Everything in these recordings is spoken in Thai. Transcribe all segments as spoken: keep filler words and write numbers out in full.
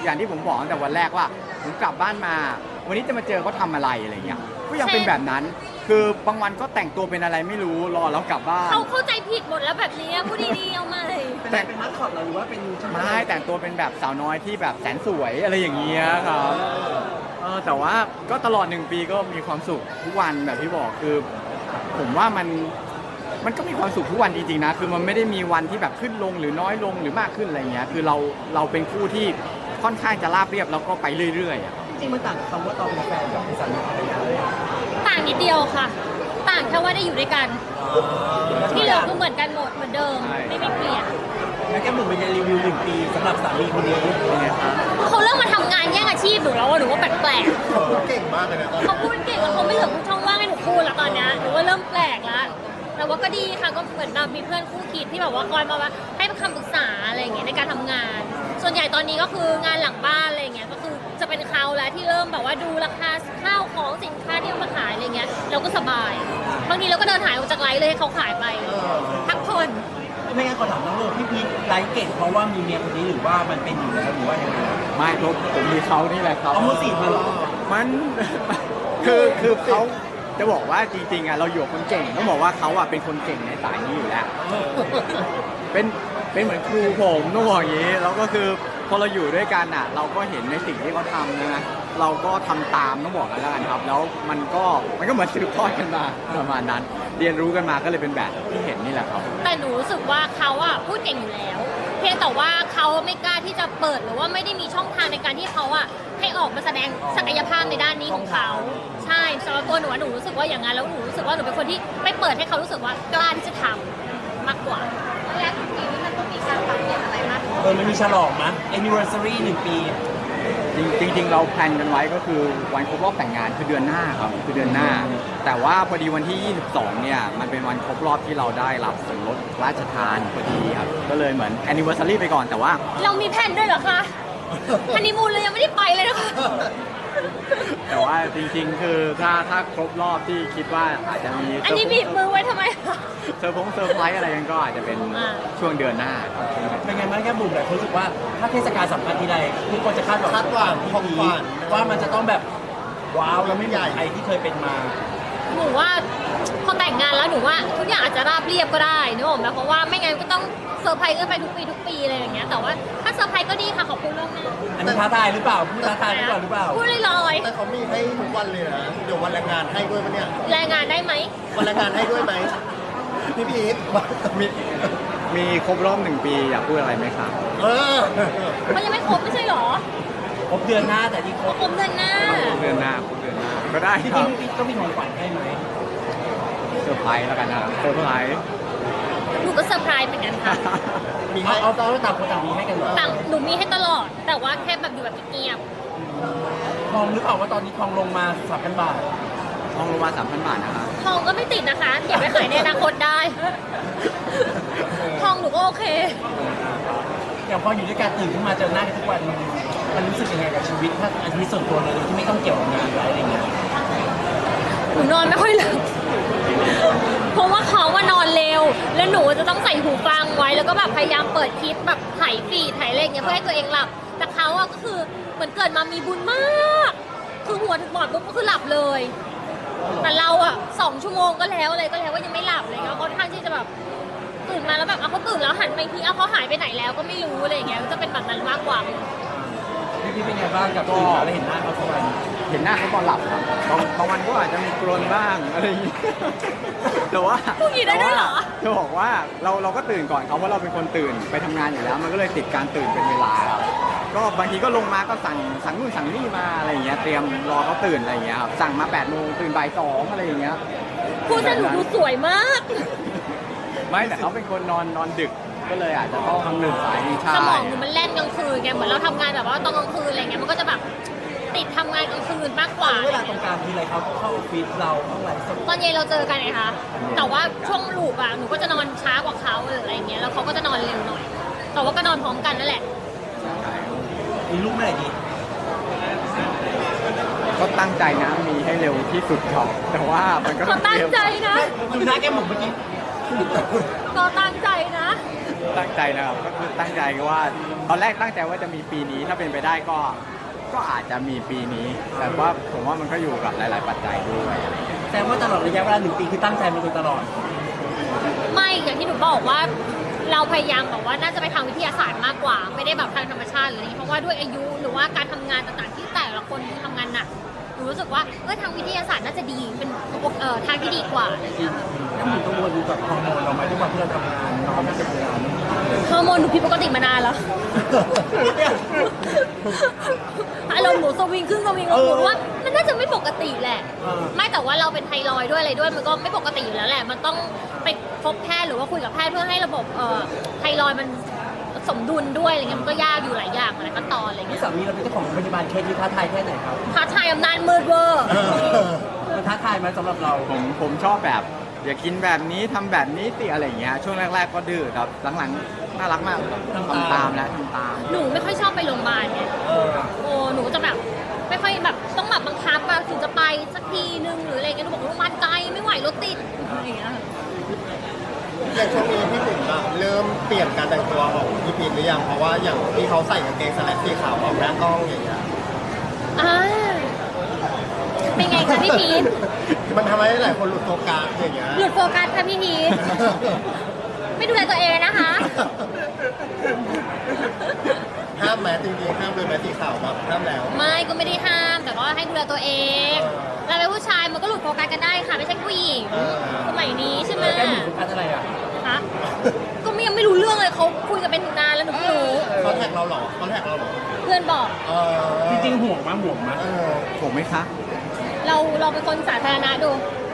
อย่างที่ผมบอกตั้งแต่วันแรกว่าผมกลับบ้านมา วันนี้จะมาเจอเขาทำอะไรอะไรเงี้ยก็ยังเป็นแบบนั้นคือบางวันก็แต่งตัวเป็นอะไรไม่รู้รอแล้วกลับบ้านเขาเข้าใจผิดหมดแล้วแบบนี้พูดดีๆเอามาเลยแต่เป็นมัสคอตหรือว่าเป็นไม่แต่งตัวเป็นแบบสาวน้อยที่แบบแสนสวยอะไรอย่างเงี้ยครับเออแต่ว่าก็ตลอดหนึ่งปีก็มีความสุขทุกวันแบบที่บอกคือผมว่ามันมันก็มีความสุขทุกวันจริงๆนะคือมันไม่ได้มีวันที่แบบขึ้นลงหรือน้อยลงหรือมากขึ้นอะไรเงี้ยคือเราเราเป็นคู่ที่ค่อนข้างจะราบเรียบแล้วก็ไปเรื่อยๆอ่ะจริงมันต่างกับคำว่าตอนเป็นแฟนกับเป็นสามีภรรยาเลยต่างนิดเดียวค่ะต่างแค่ว่าได้อยู่ด้วยกันที่เหลือคือเหมือนกันหมดเหมือนเดิมไม่มีเปลี่ยนแล้วแกหมุนเป็นรีวิวหนึ่งปีสำหรับสามีคนนี้เป็นไงครับเขาเริ่มมาทำงานแย่งอาชีพหนูแล้วว่าหนูว่าแปลกๆเขาพูดเก่งมากเลยนะเขาพูดเก่งแล้วเขาไม่เหลือช่องว่างให้หนูพูดแล้วตอนนี้หนูว่าเริ่มแปลกแล้วแต่ว่าก็ดีค่ะก็เหมือนเรามีเพื่อนคู่คิดที่แบบว่าคอยมาว่าให้คำปรึกษาอะไรอย่างเงี้ยในการทำงานส่วนใหญ่ตอนนี้ก็คืองานหลังบ้านอะไรอย่างเงี้ยก็คือจะเป็นเขาแล้วที่เริ่มแบบว่าดูราคาข้าวของสินค้าที่เอามาขายอะไรเงี้ยเราก็สบายบางทีเราก็เดินหายออกจากไลฟ์เลยให้เขาขายไปพักผ่อนไม่งั้นขอถามน้องโลพี่พีไลฟ์เก่งเพราะว่ามีเมียคนนี้หรือว่ามันเป็นอยู่แล้วหรือว่ายังไงไม่ผมผมมีเขานี่แหละครับเอามือสี่มาหรอมันคือคือเขาจะบอกว่าจริงๆอ่ะเราอยู่คนเก่งต้องบอกว่าเขาอ่ะเป็นคนเก่งในสายนี้อยู่แล้วเป็นเป็นเหมือนครูผมต้องบอกอย่างนี้แล้วก็คือพอเราอยู่ด้วยกันอ่ะเราก็เห็นในสิ่งที่เขาทำนะเราก็ทำตามต้องบอกกันแล้วกันครับแล้วมันก็มันก็เหมือนสืบทอดกันมาประมาณนั้นเรียนรู้กันมาก็เลยเป็นแบบที่เห็นนี่แหละครับแต่หนูรู้สึกว่าเขาอ่ะพูดเก่งอยู่แล้วเพียงแต่ว่าเขาไม่กล้าที่จะเปิดหรือว่าไม่ได้มีช่องทางในการที่เขาอ่ะให้ออกมาแสดงศักยภาพในด้านนี้ของเขาใช่สำหรับตัวหนูหนูรู้สึกว่าอย่างนั้นแล้วหนูรู้สึกว่าหนูเป็นคนที่ไม่เปิดให้เขารู้สึกว่ากล้าที่จะทำมากกว่าแล้วทุกปีมันต้องมีการปรับเปลี่ยนอะไรมากเออมันมีฉลองมั้ย anniversary หนึ่งปีจริงๆเราแพลนกันไว้ก็คือวันครบรอบแต่งงานคือเดือนหน้าครับคือเดือนหน้าแต่ว่าพอดีวันที่ยี่สิบสองเนี่ยมันเป็นวันครบรอบที่เราได้รับส่วนลดราชทานพอดีครับก็เลยเหมือน anniversary ไปก่อนแต่ว่าเรามีแผนด้วยเหรอคะฮันนีมูนเลยยังไม่ได้ไปเลยนะคะแต่ว่าจริงๆคือถ้าถ้าครบรอบที่คิดว่าอาจจะมีอันนี้บีบมือไว้ทำไมเซอร์พงเซอร์ไพรส์อะไรกันก็อาจจะเป็นช่วงเดือนหน้าเป็นไงบ้างแค่บุ๋มแบบรู้สึกว่าถ้าเทศกาลสำคัญทีไรทุกคนจะคาดหวังคาดหวังของขวัญว่ามันจะต้องแบบว้าวแล้วไม่ใหญ่ใครที่เคยเป็นมาหนูว่าพอแต่งงานแล้วหนูว่าทุกอย่างอาจจะราบเรียบก็ได้นึกออกไหมเพราะว่าไม่งั้นก็ต้องเซอร์ไพรส์กันไปทุกปีทุกปีอะไรอย่างเงี้ยแต่ว่าถ้าเซอร์ไพรส์ก็ดีค่ะขอบคุณล่วงหน้าอันนี้ท้าทายหรือเปล่าพูดท้าทายหรือเปล่าหรือเปล่าพูดลอยๆแต่เขามีให้ทุกวันเลยนะเดี๋ยววันแรงงานให้ด้วยปะเนี่ยแรงงานได้ไหมวันแรงงานให้ด้วยไหมพี่พีทมีมีครบรอบหนึ่งปีอยากพูดอะไรไหมครับเออมันยังไม่ครบไม่ใช่หรอครบเดือนหน้าแต่ที่ครบครบเดือนหน้าเดือนหน้าครบเดือนหน้าก็ได้ครับจริงๆก็มีของขวัญให้ไหมเซอร์ไพรส์แล้วกันนะเซอร์ไพรส์หนูก็เซอร์ไพรส์เหมือนกันค่ะมีให้เอาต้องต่างคนต่างมีให้กันเหรอต่างหนูมีให้ตลอดแต่ว่าแค่แบบอยู่แบบเงียบทองหรือเปล่าว่าตอนนี้ทองลงมาสามพันบาททองลงมาสามพันบาทนะคะทองก็ไม่ติดนะคะเก็บไว้ขายในอนาคตได้ทองหนูก็โอเคอย่างพออยู่ด้วยกันตื่นขึ้นมาเจอหน้ากันทุกวันมันรู้สึกยังไงกับชีวิตถ้าอันนี้ส่วนตัวเลยที่ไม่ต้องเกี่ยวกับงานอะไรอย่างเงี้ยหนูนอนไม่ค่อยหลับเพราะว่าเขาว่านอนเร็วแล้วหนูจะต้องใส่หูฟังไว้แล้วก็แบบพยายามเปิดคลิปแบบถ่ายฟีดถ่ายอะไรเงี้ยเพื่อให้ตัวเองหลับแต่เขาอะก็คือเหมือนเกิดมามีบุญมากคือหัวถึงหมอนปุ๊บก็คือหลับเลยแต่เราอะสองชั่วโมงก็แล้วอะไรก็แล้วว่ายังไม่หลับเลยเขาค่อนข้างที่จะแบบตื่นมาแล้วแบบเอาเขาตื่นแล้วหันไปทีเอาเขาหายไปไหนแล้วก็ไม่รู้อะไรเงี้ยจะเป็นแบบนั้นมากกว่าพี่พี่เป็นไงบ้างกับตื่นมาแล้วเห็นหน้าเขาทุกวันเห็นหน้าเขาตอนหลับครับบางบางวันก็อาจจะมีกรนบ้างอะไรอย่างนี้แต่ว่าพูดอย่างนี้ได้ด้วยเหรอจะบอกว่าเราเราก็ตื่นก่อนเขาเพราะเราเป็นคนตื่นไปทำงานอยู่แล้วมันก็เลยติดการตื่นเป็นเวลาก็บางทีก็ลงมาก็สั่งสั่งนู่นสั่งนี่มาอะไรอย่างเงี้ยเตรียมรอเขาตื่นอะไรอย่างเงี้ยครับสั่งมาแปดโมงตื่นบ่ายสองอะไรอย่างเงี้ยพูดสนุกดูสวยมากไม่แต่เขาเป็นคนนอนนอนดึกก็เลยอาจจะต้องทำหนึ่งสายนี่ใช่สมองมันเล่นกลางคืนไงเหมือนเราทำงานแบบว่าตอนกลางคืนอะไรเงี้ยมันก็จะแบบติดทำงานกลางคืนมากกว่าเวลาตรงกลางทีไรเขาเข้าออฟฟิศเราเข้าไหนตอนเย็นเราเจอกันไงคะแต่ว่าช่วงลูปอะหนูก็จะนอนช้ากว่าเขาอะไรเงี้ยแล้วเขาก็จะนอนเร็วหน่อยแต่ว่าก็นอนพร้อมกันนั่นแหละมีลูกเมื่อไหร่ดีก็ตั้งใจนะมีให้เร็วที่สุดครับแต่ว่ามันก็ตั้งใจนะดูหน้าแก้มหมุนเมื่อกี้ก็ตั้งใจนะตั้งใจนะครับก็คือตั้งใจว่าตอนแรกตั้งใจว่าจะมีปีนี้ถ้าเป็นไปได้ก็ก็อาจจะมีปีนี้ แต่ว่าผมว่ามันก็อยู่กับหลาย ๆ ปัจจัยด้วยอะไรอย่างเงี้ยแต่ว่าตลอดระยะเวลาหนึ่งปีคือตั้งใจมาโดยตลอดไม่อย่างที่หนูบอกว่าเราพยายามบอกว่าน่าจะไปทางวิทยาศาสตร์มากกว่า ไม่ได้แบบทางธรรมชาติหรืออะไรอย่างนี้เพราะว่าด้วยอายุหรือว่าการทำงานต่างๆที่แต่ละคนทำงานหนักหนูรู้สึกว่าเออทางวิทยาศาสตร์น่าจะดีเป็นเอ่อทางที่ดีกว่าอะไรอย่างเงี้ยค่ะแล้วหนูกังวลกับฮอร์โมนเราไหมทุกวันที่เราทำงานน้องไม่จะทำงานฮอร์โมนหนูผิดปกติมานานแล้ว อารมณ์หนูสวิงขึ้นสวิงลงหนูว่ามันน่าจะไม่ปกติแหละ ไม่แต่ว่าเราเป็นไทรอยด์ด้วยอะไรด้วยมันก็ไม่ปกติอยู่แล้วแหละ มันต้องไปพบแพทย์หรือว่าคุยกับแพทย์เพื่อให้ระบบเอ่อไทรอยด์มันสมดุลด้วยอะไรเงี้ยมันก็ยากอยู่หลายอย่างหลายขั้นตอนอะไรที่เงี้ยสามีเราเป็นเจ้าของโรงพยาบาลเคสที่ท้าทายแค่ไหนครับท้าทายอำนาจมืดเวอร์มันท้าทายไหมสำหรับเราผมผมชอบแบบอย่ากินแบบนี้ทำแบบนี้สิอะไรอย่างเงี้ยช่วงแรก ๆ ก็ดื้อแต่หลังๆน่ารักมากทำตามแล้วทำตามหนูไม่ค่อยชอบไปโรงพยาบาลไงเออโอ้หนูจะแบบไม่ค่อยแบบต้องแบบบังคับอะถึงจะไปสักทีนึงหรืออะไรเงี้ยหนูบอกว่าโรงพยาบาลไกลไม่ไหวรถติดอะไรอย่างเงี้ยอย่างช่วงนี้พี่บุ๋มอะเริ่มเปลี่ยนการแต่งตัวของพี่พีทหรือยังเพราะว่าอย่างที่เขาใส่กางเกงสแลกสีขาวออกหน้ากล้องอย่างเงี้ยอ่าเป็นไงคะพี่พีทมันทำให้หลายคนหลุดโฟกัสอย่างเงี้ยหลุดโฟกัสค่ะพี่พีทไม่ดูแลตัวเองเลยนะคะห้ามแมสจริงๆห้ามเลยแมสสีขาวแบบห้ามแล้วไม่ก็ไม่ได้ห้ามแต่ก็ให้ดูแลตัวเองเราเป็นผู้ชายมันก็หลุดโฟกัสกันได้ค่ะไม่ใช่ผู้หญิงสมัยนี้ใช่ไหมแก้หนูโฟกัสอะไรอ่ะฮะก็ไม่ยังไม่รู้เรื่องเลยเขาคุยกันเป็นนานแล้วหนูไม่รู้เขาแท็กเราเหรอเขาแท็กเราเหรอเพื่อนบอกเออจริงๆห่วงมั้ยห่วงมั้ยเออผมไหมคะเราเราเป็นคนสาธารณะดู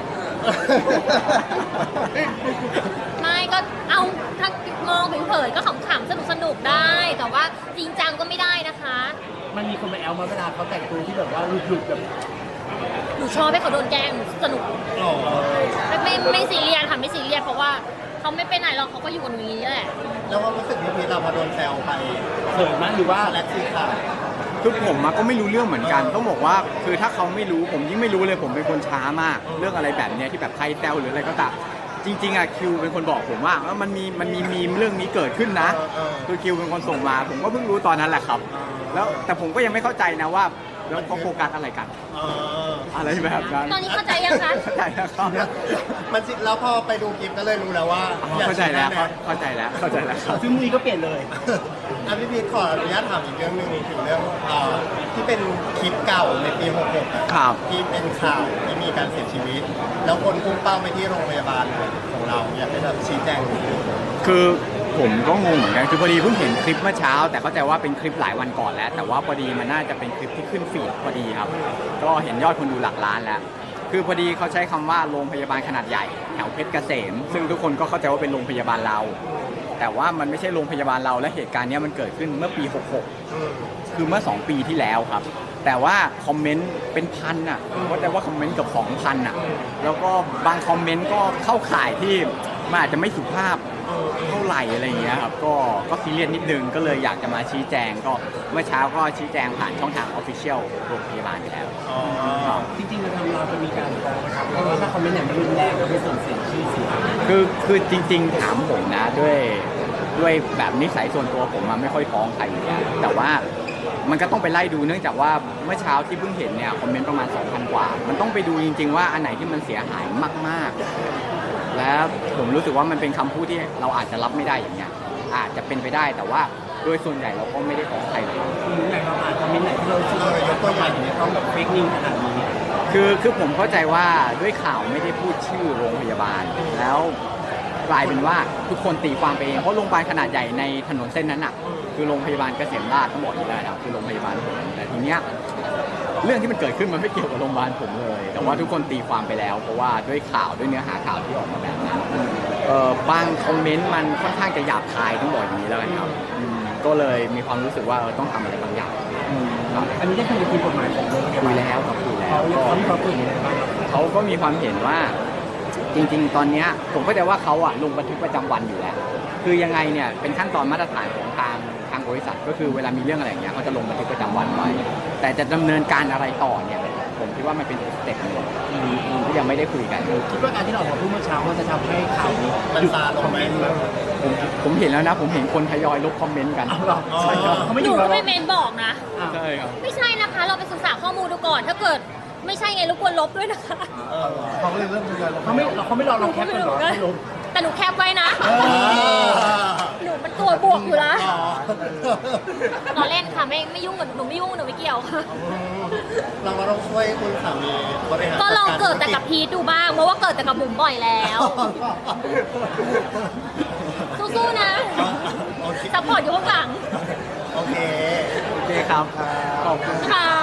ไม่ก็เอาถ้ามองเผยๆก็ขำๆสนุกสนุกๆได้ แต่ว่าจริงจังก็ไม่ได้นะคะมันมีคนมาแอลมาเวลาเขาแต่งตัวที่แบบว่าหลุดๆแบบหนูชอบให้เขาโดนแกล้งหนูสนุกหล่อไม่ไม่ไม่ซีเรียสค่ะไม่ซีเรียสเพราะว่าเขาไม่ไปไหนหรอกเขาก็อยู่กับหนูอย่างนี้แหละแล้วความรู้สึกพี่พีทเราพอโดนแซวไปเขินมั้ยหรือว่าสแลกสีขาวคือผมอะก็ไม่รู้เรื่องเหมือนกันต้องบอกว่าคือถ้าเขาไม่รู้ผมยิ่งไม่รู้เลยผมเป็นคนช้ามาก เรื่องอะไรแบบเนี้ยที่แบบใครแซวหรืออะไรก็ตามจริงๆอะคิวเป็นคนบอกผมว่าเออมันมีมันมีมีมเรื่องนี้เกิดขึ้นนะ คือคิวเป็นคนส่งมา ผมก็เพิ่งรู้ตอนนั้นแหละครับ แล้วแต่ผมก็ยังไม่เข้าใจนะว่าแล้วเขาโฟกัสอะไรกันเอออะไรแบบนั้นตอนนี้เข้าใจยังคะเข้าใจแล้วครับมันสิแล้วพอไปดูคลิปก็เลยรู้แล้วว่าเข้าใจแล้วอยากเข้าใจแล้วเข้าใจแล้วครับซึ่งมือก็เปลี่ยนเลยอ่ะพี่พีทขออนุญาตถามอีกเรื่องหนึ่งถึงเรื่องเอ่อที่เป็นคลิปเก่าในปีหกหกอะครับที่เป็นข่าวที่มีการเสียชีวิต แล้วคนพุ่งเป้าไปที่โรงพยาบาลของเราอยากให้แบบชี้แจงนิดนึงคือผมก็งงเหมือนกันคือพอดีเพิ่งเห็นคลิปเมื่อเช้า แต่เข้าใจว่าเป็นคลิปหลายวันก่อนแล้ว แต่ว่าพอดีมันน่าจะเป็นคลิปที่ขึ้นฟีดพอดีครับ ก็เห็นยอดคนดูหลักล้านแล้ว คือพอดีเขาใช้คำว่าโรงพยาบาลขนาดใหญ่แถวเพชรเกษม ซึ่งทุกคนก็เข้าใจว่าเป็นโรงพยาบาลเรา แต่ว่ามันไม่ใช่โรงพยาบาลเราและเหตุการณ์เนี้ยมันเกิดขึ้นเมื่อปีหกหก คือเมื่อสองปีที่แล้วครับ แต่ว่าคอมเมนต์เป็นพันอ่ะก็แต่ว่าคอมเมนต์เกับสองพันอ่ะ แล้วก็บางคอมเมนต์ก็เข้าข่ายที่มันอาจจะไม่สุภาพเท่าไหร่อะไรอย่างเงี้ยครับ ก็ก็ซีเรียสนิดนึง ก็เลยอยากจะมาชี้แจง ก็เมื่อเช้าก็ชี้แจงผ่านช่องทางออฟฟิเชียลโรงพยาบาลไปแล้วครับจริงๆเราทำเราจะมีการฟ้องนะครับเพราะว่าถ้าคอมเมนต์ไหนมันรุนแรงเราไม่ส่งเสียชื่อเสียงคือคือจริงๆถามผมนะด้วยด้วยแบบนิสัยส่วนตัวผมมันไม่ค่อยฟ้องใครอยู่แล้วแต่ว่ามันก็ต้องไปไล่ดูเนื่องจากว่าเมื่อเช้าที่เพิ่งเห็นเนี่ยคอมเมนต์ประมาณ สองพัน กว่า มันต้องไปดูจริงๆว่าอันไหนที่มันเสียหายมากๆ แล้วผมรู้สึกว่ามันเป็นคำพูดที่เราอาจจะรับไม่ได้อย่างเงี้ยอาจจะเป็นไปได้แต่ว่าโดยส่วนใหญ่เราก็ไม่ได้ฟ้องใครเลยอย่างเราอ่านคอมเมนต์ไหนที่เราชื่อว่ายกตัวอย่างอย่างนี้ต้องแบบเฟกนิวขนาดนี้คือคือผมเข้าใจว่าด้วยข่าวไม่ได้พูดชื่อโรงพยาบาล แล้วกลายเป็นว่าทุกคนตีความไปเองเพราะโรงพยาบาลขนาดใหญ่ในถนนเส้นนั้นอ่ะคือโรงพยาบาลเกษมราษฎร์ต้องบอกอยู่แล้วนะครับคือโรงพยาบาลผมแต่ทีเนี้ยเรื่องที่มันเกิดขึ้นมันไม่เกี่ยวกับโรงพยาบาลผมเลย แต่ว่าทุกคนตีความไปแล้ว เพราะว่าด้วยข่าวด้วยเนื้อหาข่าวที่ออกมาแบบนั้นเอ่อบางคอมเมนต์มันค่อนข้างจะหยาบคายต้องบอกอย่างนี้แล้วกันครับอืมก็เลยมีความรู้สึกว่าเออต้องทำอะไรบางอย่างครับอันนี้ได้คุยกับทีมกฎหมายของโรงพยาคุบาย ลแล้วครับคุยแล้วเขาก็เขามีความคิดเห็นยังไงบ้างครับเขาก็มีความเห็นว่าจริงๆ ตอนเนี้ยผมเข้าใจว่าเขาอะลงบันทึกประจำวันอยู่แล้ว คือยังไงเนี่ยเป็นขั้นตอนมาตรฐานของทางทางบริษัทก็คือเวลามีเรื่องอะไรอย่างเงี้ยเขาจะลงบันทึกประจำวันไว้แต่จะดำเนินการอะไรต่อเนี่ยผมคิดว่ามันเป็นสเต็ปหนึ่งที่ยังไม่ได้คุยกันคิดว่าการที่เราออกมาพูดเมื่อเช้ามันจะทำให้ข่าวนี้มันซาลงไหมผมผมเห็นแล้วนะ ผมเห็นคนทยอยลบคอมเมนต์กันเอาหรอใช่ครับเขาไม่หอนูยู่ก็แล้วไม่เมนบอกนะใช่ครับไม่ใช่นะคะ เราไปศึกษาข้อมูลดูก่อน ถ้าเกิดไม่ใช่ไงรบกวนลบด้วยนะคะเออเขาก็เลยเริ่มทยอยลงเขาไม่เขาไม่รอเราแคปกันหรอให้ลงแต่หนูแคปไว้นะเออหนูมันตัวบวกอยู่แล้วอ๋อตอนเล่นค่ะไม่ไม่ยุ่งกับหนูไม่ยุ่งหนูไม่เกี่ยวค่ะเราก็ต้องช่วยคุณสามีบริหารก็ลองเกิดแต่กับพีทดูบ้าง เพราะว่าเกิดแต่กับบุ๋มบ่อยแล้ว สู้ๆนะโอเคซัพพอร์ตอยู่ข้างหลังโอเคโอเคครับ ขอบคุณค่ะ